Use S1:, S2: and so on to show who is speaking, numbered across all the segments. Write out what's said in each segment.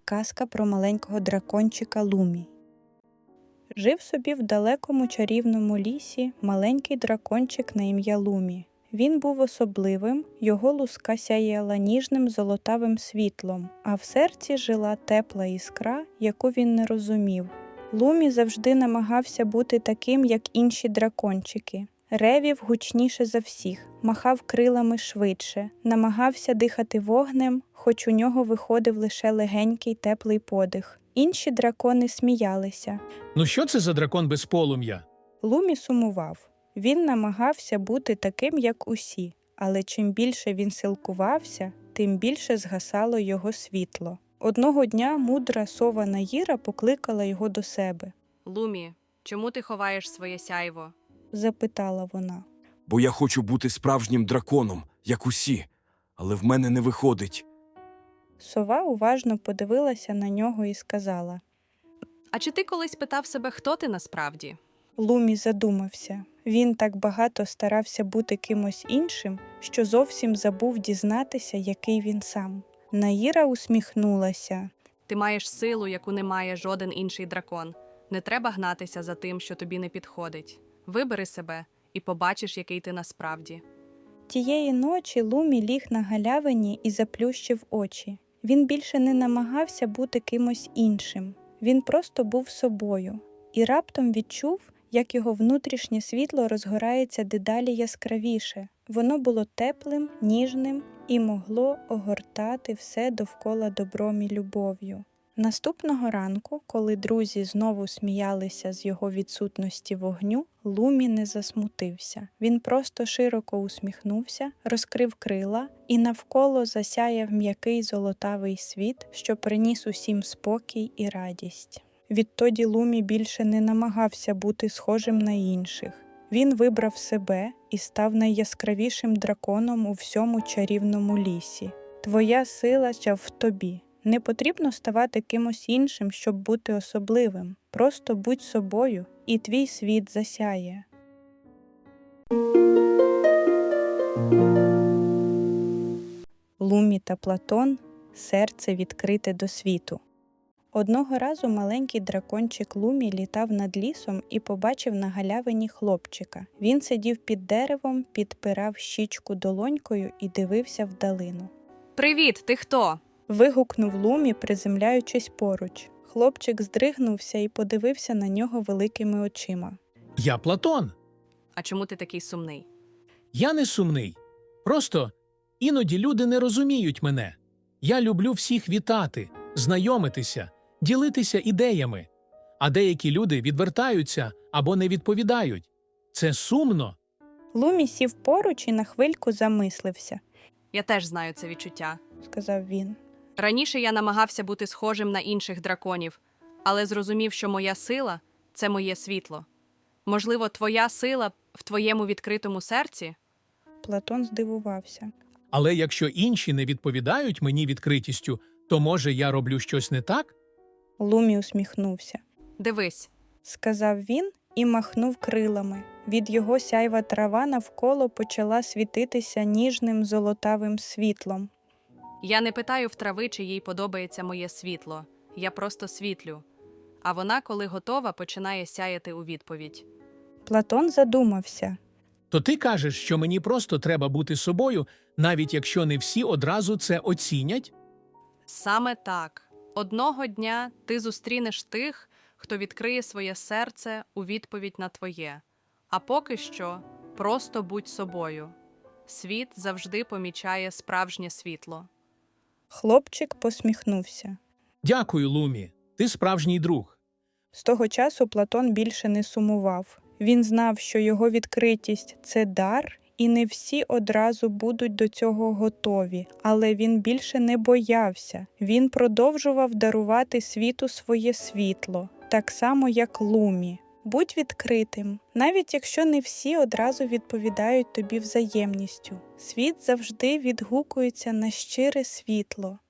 S1: Казка про маленького дракончика Лумі. Жив собі в далекому чарівному лісі маленький дракончик на ім'я Лумі. Він був особливим, його луска сяяла ніжним золотавим світлом, а в серці жила тепла іскра, яку він не розумів. Лумі завжди намагався бути таким, як інші дракончики. Ревів гучніше за всіх, махав крилами швидше, намагався дихати вогнем, хоч у нього виходив лише легенький теплий подих. Інші дракони сміялися.
S2: Ну що це за дракон без полум'я?
S1: Лумі сумував. Він намагався бути таким, як усі, але чим більше він силкувався, тим більше згасало його світло. Одного дня мудра сова Наїра покликала його до себе.
S3: «Лумі, чому ти ховаєш своє сяйво?»
S1: – запитала вона.
S4: Бо я хочу бути справжнім драконом, як усі, але в мене не виходить.
S1: Сова уважно подивилася на нього і сказала.
S3: «А чи ти колись питав себе, хто ти насправді?»
S1: Лумі задумався. Він так багато старався бути кимось іншим, що зовсім забув дізнатися, який він сам. Наїра усміхнулася.
S3: «Ти маєш силу, яку не має жоден інший дракон. Не треба гнатися за тим, що тобі не підходить. Вибери себе і побачиш, який ти насправді».
S1: Тієї ночі Лумі ліг на галявині і заплющив очі. Він більше не намагався бути кимось іншим. Він просто був собою. І раптом відчув, як його внутрішнє світло розгорається дедалі яскравіше. Воно було теплим, ніжним і могло огортати все довкола добром і любов'ю. Наступного ранку, коли друзі знову сміялися з його відсутності вогню, Лумі не засмутився. Він просто широко усміхнувся, розкрив крила і навколо засяяв м'який золотавий світ, що приніс усім спокій і радість. Відтоді Лумі більше не намагався бути схожим на інших. Він вибрав себе і став найяскравішим драконом у всьому чарівному лісі. Твоя сила в тобі. Не потрібно ставати кимось іншим, щоб бути особливим. Просто будь собою, і твій світ засяє. Лумі та Платон – серце відкрите до світу. Одного разу маленький дракончик Лумі літав над лісом і побачив на галявині хлопчика. Він сидів під деревом, підпирав щічку долонькою і дивився вдалину.
S3: «Привіт, ти хто?»
S1: – вигукнув Лумі, приземляючись поруч. Хлопчик здригнувся і подивився на нього великими очима.
S2: Я Платон.
S3: «А чому ти такий сумний?»
S2: Я не сумний. Просто іноді люди не розуміють мене. Я люблю всіх вітати, знайомитися, ділитися ідеями. А деякі люди відвертаються або не відповідають. Це сумно.
S1: Лумі сів поруч і на хвильку замислився,
S3: «Я теж знаю це відчуття.
S1: – сказав він.
S3: Раніше я намагався бути схожим на інших драконів, але зрозумів, що моя сила – це моє світло. Можливо, твоя сила в твоєму відкритому серці?»
S1: Платон здивувався.
S2: Але якщо інші не відповідають мені відкритістю, то, може, я роблю щось не так?
S1: Лумі усміхнувся.
S3: «Дивись,
S1: – сказав він і махнув крилами. Від його сяйва трава навколо почала світитися ніжним золотавим світлом.
S3: я не питаю в трави, чи їй подобається моє світло. Я просто світлю. А вона, коли готова, починає сяяти у відповідь».
S1: Платон задумався.
S2: То ти кажеш, що мені просто треба бути собою, навіть якщо не всі одразу це оцінять?
S3: Саме так. Одного дня ти зустрінеш тих, хто відкриє своє серце у відповідь на твоє. А поки що просто будь собою. Світ завжди помічає справжнє світло.
S1: Хлопчик посміхнувся.
S2: Дякую, Лумі. Ти справжній друг.
S1: З того часу Платон більше не сумував. Він знав, що його відкритість – це дар, і не всі одразу будуть до цього готові. Але він більше не боявся. Він продовжував дарувати світу своє світло, так само, як Лумі. Будь відкритим, навіть якщо не всі одразу відповідають тобі взаємністю. Світ завжди відгукується на щире світло.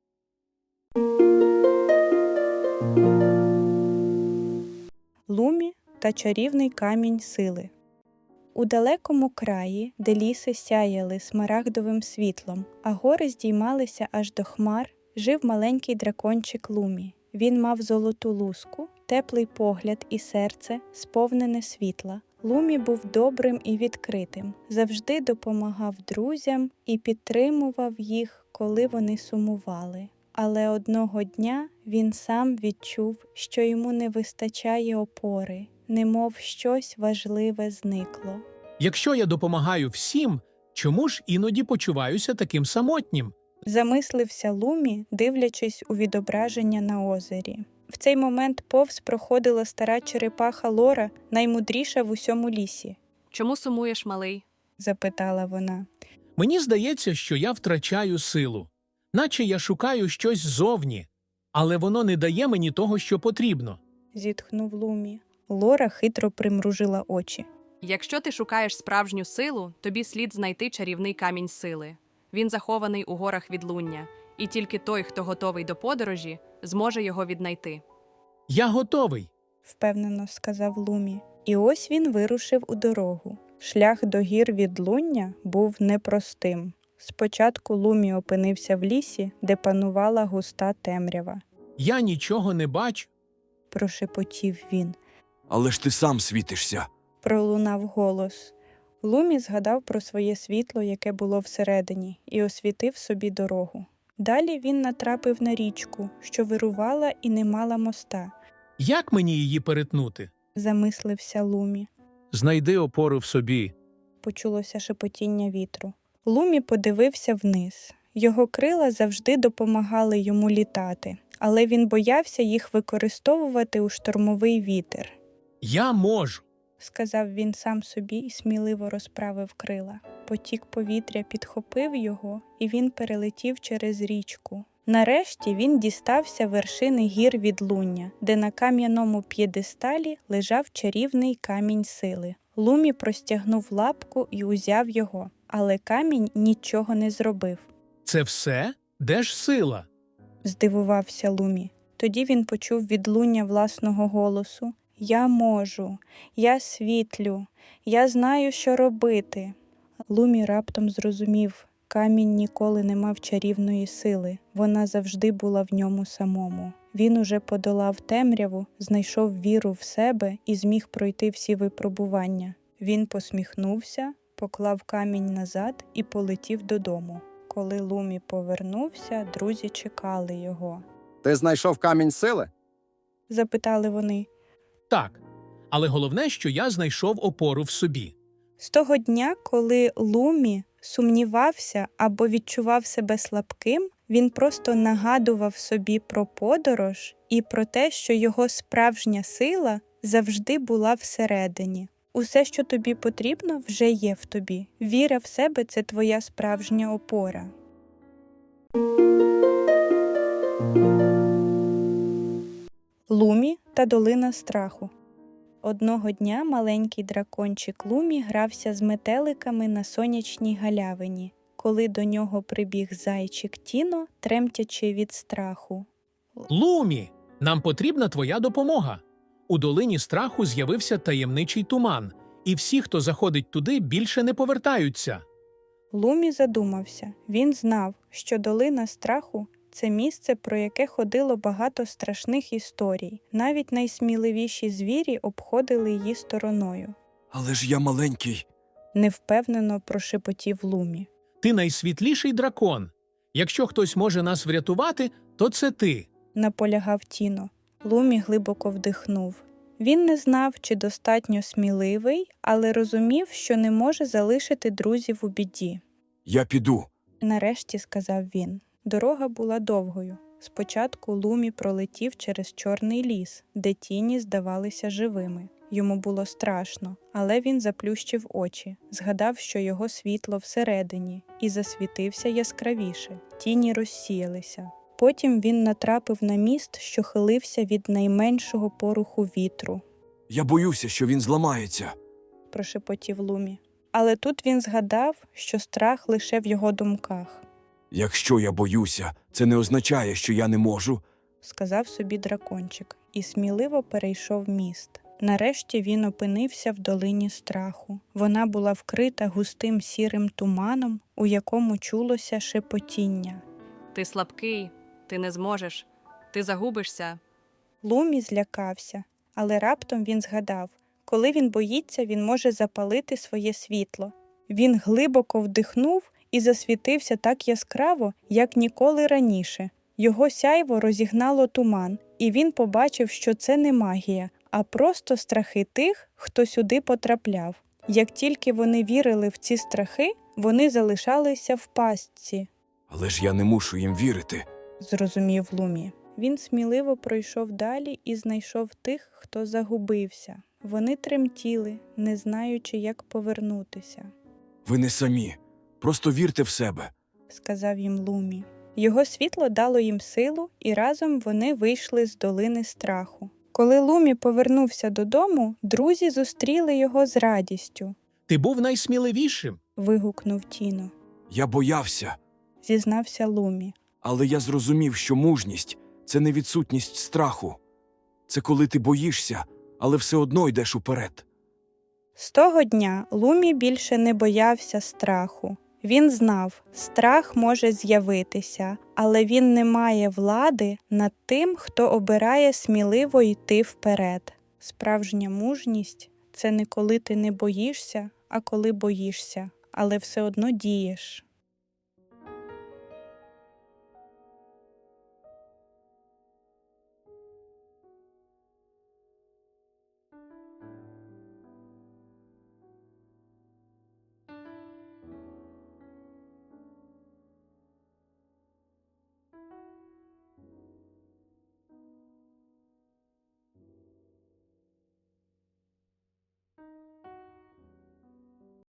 S1: Лумі та чарівний камінь сили. У далекому краї, де ліси сяяли смарагдовим світлом, а гори здіймалися аж до хмар, жив маленький дракончик Лумі. Він мав золоту луску, теплий погляд і серце, сповнене світла. Лумі був добрим і відкритим, завжди допомагав друзям і підтримував їх, коли вони сумували. Але одного дня він сам відчув, що йому не вистачає опори, немов щось важливе зникло.
S2: Якщо я допомагаю всім, чому ж іноді почуваюся таким самотнім?
S1: Замислився Лумі, дивлячись у відображення на озері. В цей момент повз проходила стара черепаха Лора, наймудріша в усьому лісі.
S3: Чому сумуєш, малий?
S1: Запитала вона.
S2: Мені здається, що я втрачаю силу. Наче я шукаю щось ззовні, але воно не дає мені того, що потрібно.
S1: Зітхнув Лумі. Лора хитро примружила очі.
S3: Якщо ти шукаєш справжню силу, тобі слід знайти чарівний камінь сили. Він захований у горах відлуння, і тільки той, хто готовий до подорожі, зможе його віднайти.
S2: Я готовий.
S1: Впевнено сказав Лумі. І ось він вирушив у дорогу. Шлях до гір відлуння був непростим. Спочатку Лумі опинився в лісі, де панувала густа темрява.
S2: Я нічого не бачу.
S1: Прошепотів він.
S4: Але ж ти сам світишся.
S1: Пролунав голос. Лумі згадав про своє світло, яке було всередині, і освітив собі дорогу. Далі він натрапив на річку, що вирувала і не мала моста.
S2: Як мені її перетнути?
S1: Замислився Лумі.
S2: Знайди опору в собі.
S1: Почулося шепотіння вітру. Лумі подивився вниз. Його крила завжди допомагали йому літати, але він боявся їх використовувати у штормовий вітер.
S2: Я можу.
S1: Сказав він сам собі і сміливо розправив крила. Потік повітря підхопив його, і він перелетів через річку. Нарешті він дістався вершини гір відлуння, де на кам'яному п'єдесталі лежав чарівний камінь сили. Лумі простягнув лапку і узяв його, але камінь нічого не зробив.
S2: Це все? Де ж сила?
S1: Здивувався Лумі. Тоді він почув відлуння власного голосу. «Я можу, я світлю, я знаю, що робити». Лумі раптом зрозумів, камінь ніколи не мав чарівної сили, вона завжди була в ньому самому. Він уже подолав темряву, знайшов віру в себе і зміг пройти всі випробування. Він посміхнувся, поклав камінь назад і полетів додому. Коли Лумі повернувся, друзі чекали його.
S5: Ти знайшов камінь сили?
S1: Запитали вони.
S2: Так. Але головне, що я знайшов опору в собі.
S1: З того дня, коли Лумі сумнівався або відчував себе слабким, він просто нагадував собі про подорож і про те, що його справжня сила завжди була всередині. Усе, що тобі потрібно, вже є в тобі. Віра в себе – це твоя справжня опора. Лумі та долина страху. Одного дня маленький дракончик Лумі грався з метеликами на сонячній галявині, коли до нього прибіг зайчик Тіно, тремтячи від страху.
S2: Лумі, нам потрібна твоя допомога. У долині страху з'явився таємничий туман, і всі, хто заходить туди, більше не повертаються.
S1: Лумі задумався. Він знав, що долина страху – це місце, про яке ходило багато страшних історій. Навіть найсміливіші звірі обходили її стороною.
S4: Але ж я маленький.
S1: Невпевнено прошепотів Лумі.
S2: Ти найсвітліший дракон. Якщо хтось може нас врятувати, то це ти.
S1: Наполягав Тіно. Лумі глибоко вдихнув. Він не знав, чи достатньо сміливий, але розумів, що не може залишити друзів у біді.
S4: Я піду.
S1: Нарешті сказав він. Дорога була довгою. Спочатку Лумі пролетів через чорний ліс, де тіні здавалися живими. Йому було страшно, але він заплющив очі, згадав, що його світло всередині, і засвітився яскравіше. Тіні розсіялися. Потім він натрапив на міст, що хилився від найменшого поруху вітру.
S4: Я боюся, що він зламається.
S1: Прошепотів Лумі. Але тут він згадав, що страх лише в його думках.
S4: Якщо я боюся, це не означає, що я не можу.
S1: Сказав собі дракончик і сміливо перейшов міст. Нарешті він опинився в долині страху. Вона була вкрита густим сірим туманом, у якому чулося шепотіння.
S3: Ти слабкий, Ти не зможеш. Ти загубишся.
S1: Лумі злякався, але раптом він згадав, коли він боїться, він може запалити своє світло. Він глибоко вдихнув і засвітився так яскраво, як ніколи раніше. Його сяйво розігнало туман, і він побачив, що це не магія, а просто страхи тих, хто сюди потрапляв. Як тільки вони вірили в ці страхи, вони залишалися в пастці,
S4: Але ж я не мушу їм вірити.
S1: зрозумів Лумі. Він сміливо пройшов далі і знайшов тих, хто загубився. Вони тремтіли, не знаючи, як повернутися,
S4: Ви не самі. Просто вірте в себе.
S1: сказав їм Лумі. Його світло дало їм силу, і разом вони вийшли з долини страху. Коли Лумі повернувся додому, друзі зустріли його з радістю.
S2: Ти був найсміливішим.
S1: Вигукнув Тіно,
S4: Я боявся,
S1: зізнався Лумі.
S4: але я зрозумів, що мужність – це не відсутність страху. Це коли ти боїшся, але все одно йдеш уперед.
S1: З того дня Лумі більше не боявся страху. Він знав, страх може з'явитися, але він не має влади над тим, хто обирає сміливо йти вперед. Справжня мужність – це не коли ти не боїшся, а коли боїшся, але все одно дієш.